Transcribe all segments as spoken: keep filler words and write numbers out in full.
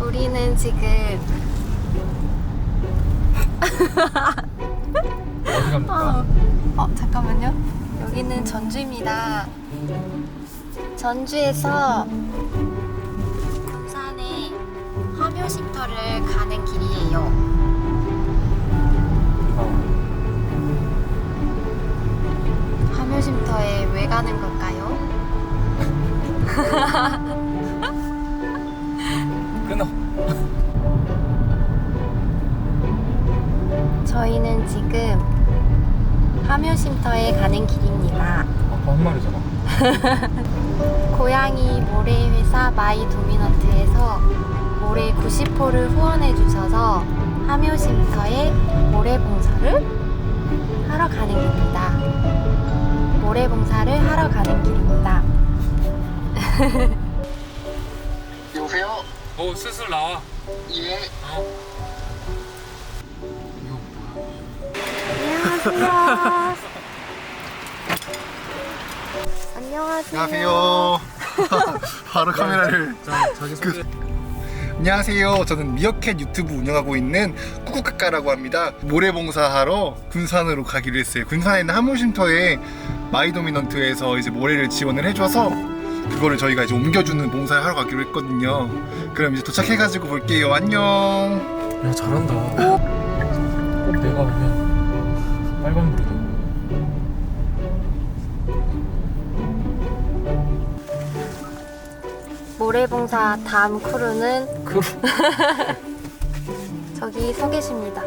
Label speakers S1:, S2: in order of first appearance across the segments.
S1: 우리는 지금
S2: 어디 갑니까?
S1: 어, 어 잠깐만요. 여기는 전주입니다. 전주에서 군산에 화묘쉼터를 가는 길이에요. 화묘쉼터에 왜 가는 걸까요?
S2: 끊어.
S1: 저희는 지금 화묘쉼터에 가는 길입니다.
S2: 아까 한 말이잖아.
S1: 고양이 모래회사 마이도미넌트에서 모래 구십 호를 후원해 주셔서 화묘쉼터에 모래봉사를 하러 가는 길입니다. 모래봉사를 하러 가는 길입니다.
S3: 여보세요?
S2: 어, 슬슬 나와.
S3: 예.
S2: 어.
S1: 안녕하세요. 안녕하세요.
S3: 안녕하세요. 바로 카메라를.
S2: 자, 자기 소개.
S3: 안녕하세요. 저는 미어캣 유튜브 운영하고 있는 꾸꾸까까라고 합니다. 모래봉사하러 군산으로 가기로 했어요. 군산에 있는 화묘쉼터에 마이도미넌트에서 이제 모래를 지원을 해줘서 그거를 저희가 이제 옮겨주는 봉사를 하러 가기로 했거든요. 그럼 이제 도착해가지고 볼게요. 안녕.
S2: 야, 잘한다. 꼭 내가 오면 빨간불이다.
S1: 모래봉사 다음 크루는
S2: 그
S1: 저기 서 계십니다.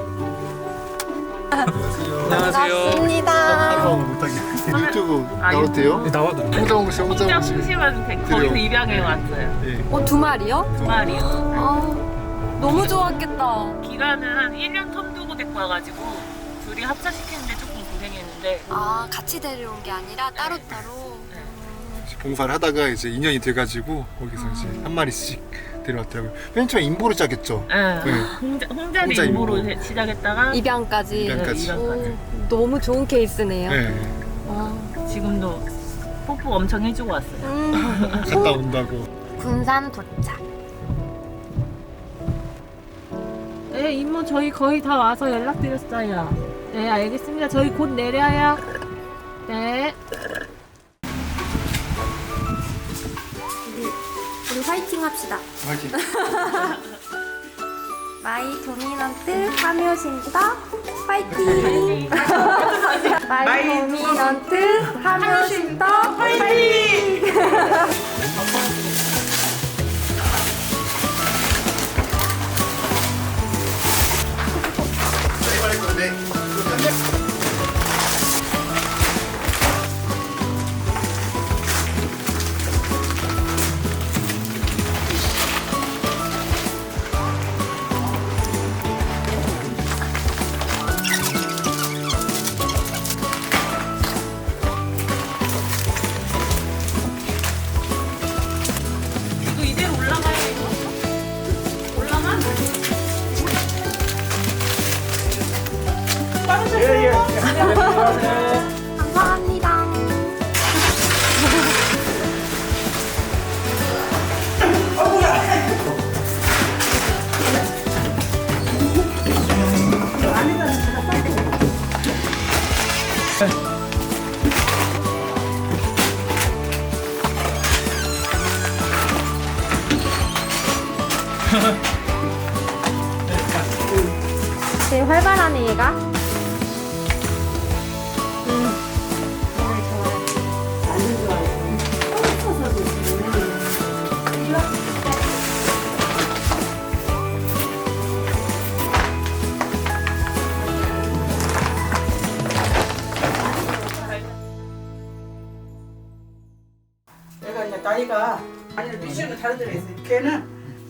S2: 안녕하세요.
S1: 반갑습니다.
S3: 못하게. 유튜브 나와도 돼요?
S2: 네, 나와도 돼.
S3: 혼자 먹으시 혼자
S4: 혼자
S3: 먹으시.
S4: 푸시면 돼.
S3: 그래요.
S4: 거기서 입양해 왔어요.
S3: 네.
S1: 어, 두 마리요?
S4: 두 마리요.
S1: 아, 너무 좋았겠다.
S4: 기간은 한 일 년 텀 두고 데리고 와가지고 둘이 합사시키는데 조금 고생했는데
S1: 아, 같이 데려온 게 아니라 따로따로.
S3: 봉사를 하다가 이제 인연이 돼가지고 거기서 이제 한 마리씩 데려왔더라고요. 맨 처음에 인보를 짜겠죠.
S4: 네.
S3: 네.
S4: 홍자, 홍자리
S3: 홍자
S4: 임무로
S3: 임무.
S4: 해- 시작했다가
S1: 입양까지.
S3: 입양까지.
S4: 입양까지.
S1: 오, 너무 좋은 케이스네요.
S3: 네.
S1: 와.
S4: 지금도 뽀뽀 엄청 해주고 왔어요.
S1: 음.
S3: 갔다 온다고.
S1: 군산 도착.
S4: 네, 임무 저희 거의 다 와서 연락드렸어요. 네, 알겠습니다. 저희 곧 내려요. 네.
S1: 우리, 우리 화이팅 합시다.
S3: 화이팅.
S1: 마이 도미넌트 화묘쉼터 화이팅! 마이 도미넌트 화묘쉼터 화이팅!
S4: 이거 이대로 올라가야 이거? 올라가?
S1: 감사합니다. 되게 활발하네 얘가. 음.
S5: 내가 이제 나이가 아니 미션은 다른 데로 있어. 걔는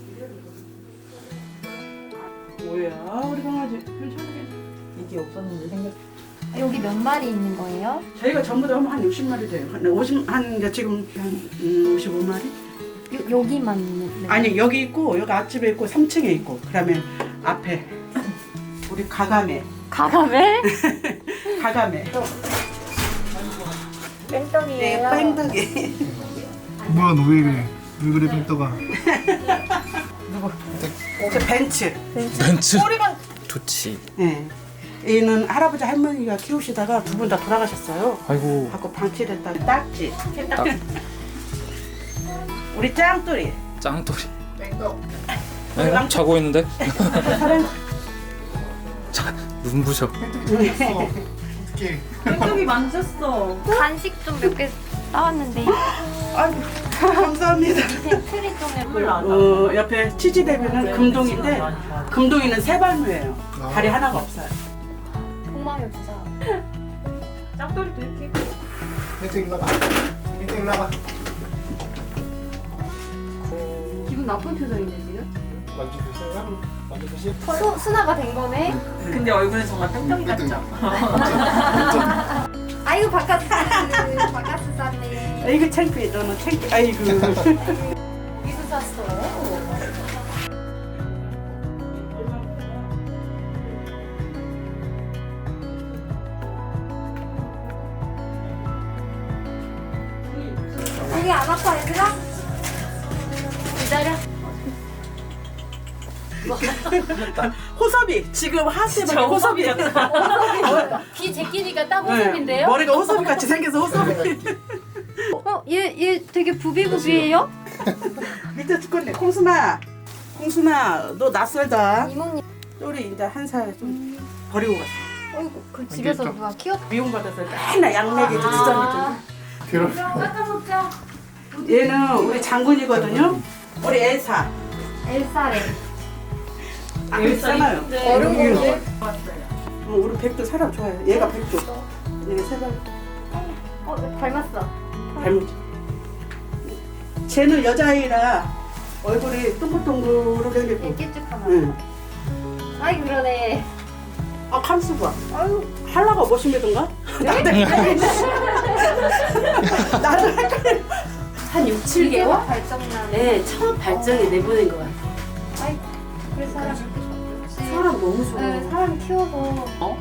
S5: 뭐야 우리 강아지 괜찮게 이게 없었는데 생겼.
S1: 여기 몇 마리 있는 거예요?
S5: 저희가 전부 다 한 육십 마리 돼요. 한 오십 한 이제 지금 한 음, 오십오 마리?
S1: 요, 여기만 있는.
S5: 아니 여기 있고 여기 앞집에 있고 삼 층에 있고 그다음에 앞에 우리 가가메
S1: 가감에?
S5: 가가메
S1: 뺑떡이에요.
S5: 뺑떡이
S3: 뭐야 너 왜 그래? 왜 그래 뺑떡아?
S5: 누구? 저 벤츠.
S2: 벤츠.
S5: 꼬리가.
S2: 좋지.
S5: 네. 얘는 할아버지 할머니가 키우시다가 두 분 다 돌아가셨어요.
S2: 아이고.
S5: 갖고 방치를 했다. 딱지.
S2: 딱
S5: 우리 짱돌이.
S2: 짱돌이.
S3: 땡떡.
S2: 네, 자고 있는데.
S5: 사랑.
S2: 자, 눈부셔.
S3: 어떻게?
S4: 땡떡이 만졌어.
S1: 간식 좀 몇 개 따왔는데
S5: 아이고, 감사합니다.
S1: 트리 좀 해볼래.
S5: 어, 옆에 치즈대비는 금동인데 금동이는 세발무예요. 다리 하나가 없어요.
S1: 폭망이 없어.
S4: 짱돌이도 이렇게.
S3: 땡떡 일로 와봐. 땡떡 일로 와봐.
S1: 기분 나쁜 표정인데 지금?
S3: 만져보세요. 만져보세요.
S1: 수, 순화가 된 거네.
S4: 근데 얼굴은 정말 땡떡이 같죠?
S1: 아이고 바카스 바카스 쌌네.
S5: 아이고 창피해. 너는 창피. 아이고.
S1: 어디서 샀어? 여기 안 아파 얘들아? 기다려.
S5: 호섭이 지금 하세밖에 호섭이야.
S1: 귀 제끼니까 딱
S5: 네,
S1: 호섭인데요?
S5: 머리가 호섭이 같이 생겨서 호섭이.
S1: 어? 얘, 얘 되게 부비부비해요?
S5: 밑에 죽겠네. 콩순아, 콩순아, 너 낯설다.
S1: 이모님
S5: 우리 이제 한 살 좀 버리고 갔어.
S1: 어이구 그 집에서 누가 키웠...
S5: 미용받아서 맨날 약 먹이고 주저먹이고.
S3: 괴롭.
S1: 깎아 먹자.
S5: 얘는 우리 장군이거든요. 우리 엘사.
S1: 엘사래.
S5: 아, 엘사나요.
S1: 어른 공주.
S5: 어, 우리 백도 사람 좋아해. 얘가 백도. 얘는 세발.
S1: 어 닮았어.
S5: 닮은지. 쟤는 여자아이라 얼굴이 동글동글하게 생겼고.
S1: 애끼쭉하나.
S5: 응.
S1: 아이 그러네.
S5: 아, 감수 봐. 아유, 할라가 멋있던가? 나도 헷갈려. 나도 헷갈려.
S6: 한 육, 칠 개월?
S1: 발정나네.
S6: 네, 처음 발정이 내보낸 것 같아요.
S1: 아이 그래 사람.
S6: 사람 너무 좋아.
S1: 네, 사람 키워서.
S6: 어?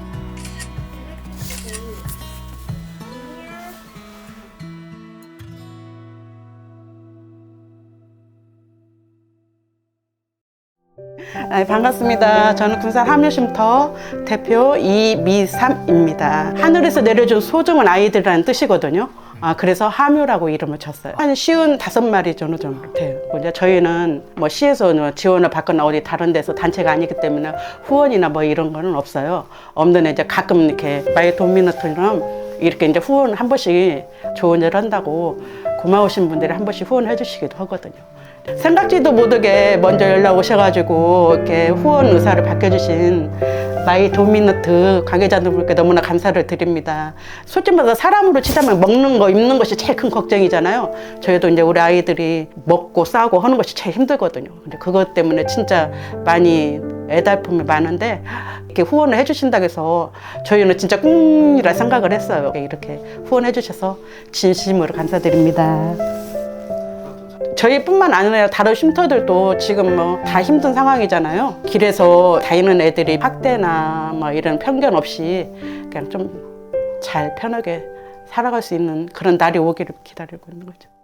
S5: 아, 반갑습니다. 저는 군산 함유쉼터 대표 이미삼입니다. 하늘에서 내려준 소중한 아이들이라는 뜻이거든요. 아, 그래서 함유라고 이름을 쳤어요. 한 쉬운 다섯 마리 정도 정도 돼요. 이제 저희는 뭐 시에서 지원을 받거나 어디 다른 데서 단체가 아니기 때문에 후원이나 뭐 이런 거는 없어요. 없는 이제 가끔 이렇게 마이 도미노처럼 이렇게 이제 후원 한 번씩 좋은 일 한다고 고마우신 분들이 한 번씩 후원해 주시기도 하거든요. 생각지도 못하게 먼저 연락 오셔가지고 이렇게 후원 의사를 밝혀주신 마이 도미너트 관계자분들께 너무나 감사를 드립니다. 솔직히 말해서 사람으로 치자면 먹는 거, 입는 것이 제일 큰 걱정이잖아요. 저희도 이제 우리 아이들이 먹고 싸고 하는 것이 제일 힘들거든요. 근데 그것 때문에 진짜 많이 애달픔이 많은데 이렇게 후원을 해주신다고 해서 저희는 진짜 꿈이라 생각을 했어요. 이렇게 후원해 주셔서 진심으로 감사드립니다. 저희뿐만 아니라 다른 쉼터들도 지금 뭐 다 힘든 상황이잖아요. 길에서 다니는 애들이 학대나 뭐 이런 편견 없이 그냥 좀 잘 편하게 살아갈 수 있는 그런 날이 오기를 기다리고 있는 거죠.